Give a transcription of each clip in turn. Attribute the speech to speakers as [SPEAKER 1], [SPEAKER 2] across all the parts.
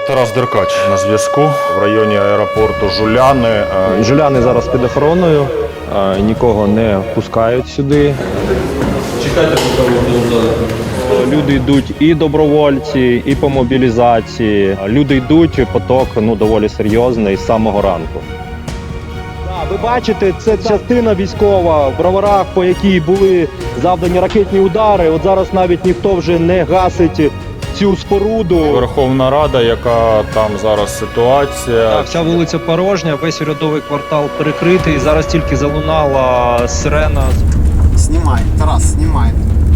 [SPEAKER 1] Тарас Деркач на зв'язку в районі аеропорту Жуляни.
[SPEAKER 2] Жуляни зараз під охороною, нікого не пускають сюди.
[SPEAKER 3] Чекайте, поки ви
[SPEAKER 2] Люди йдуть і добровольці, і по мобілізації. Люди йдуть, поток доволі серйозний з самого ранку. Ви бачите, це частина військова в Броварах, по якій були завдані ракетні удари. От зараз навіть ніхто вже не гасить цю споруду.
[SPEAKER 1] Верховна Рада, яка там зараз ситуація.
[SPEAKER 4] Так, вся вулиця порожня, весь урядовий квартал перекритий. Зараз тільки залунала сирена.
[SPEAKER 5] Снимай, Тарас, снимай.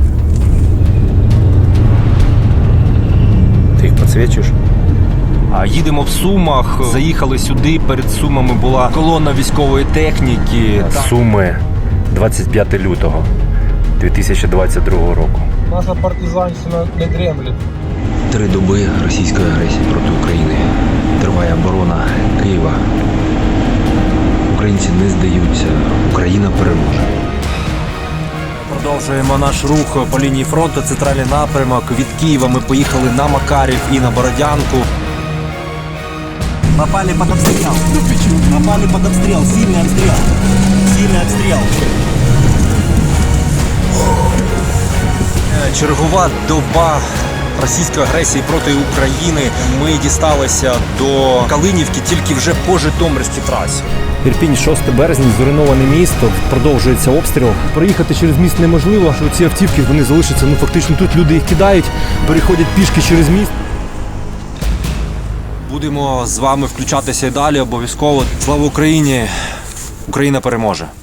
[SPEAKER 4] Ти їх підсвічуєш? Їдемо в Сумах, заїхали сюди, перед Сумами була колона військової техніки.
[SPEAKER 6] Суми, 25 лютого 2022 року.
[SPEAKER 7] Наша партизанщина не дремлет.
[SPEAKER 8] 3 доби російської агресії проти України. Триває оборона Києва. Українці не здаються. Україна переможе.
[SPEAKER 4] Продовжуємо наш рух по лінії фронту, центральний напрямок. Від Києва ми поїхали на Макарів і на Бородянку.
[SPEAKER 9] Попали под обстрел. Попали под обстрел. Сильный обстрел. Сильный обстрел.
[SPEAKER 4] Чергова доба російської агресії проти України. Ми дісталися до Калинівки тільки вже по Житомирській трасі.
[SPEAKER 10] Ірпінь, 6 березня, зруйноване місто, продовжується обстріл. Проїхати через міст неможливо, що ці автівки вони залишаться, фактично тут люди їх кидають, переходять пішки через міст.
[SPEAKER 4] Будемо з вами включатися і далі обов'язково. Слава Україні! Україна переможе!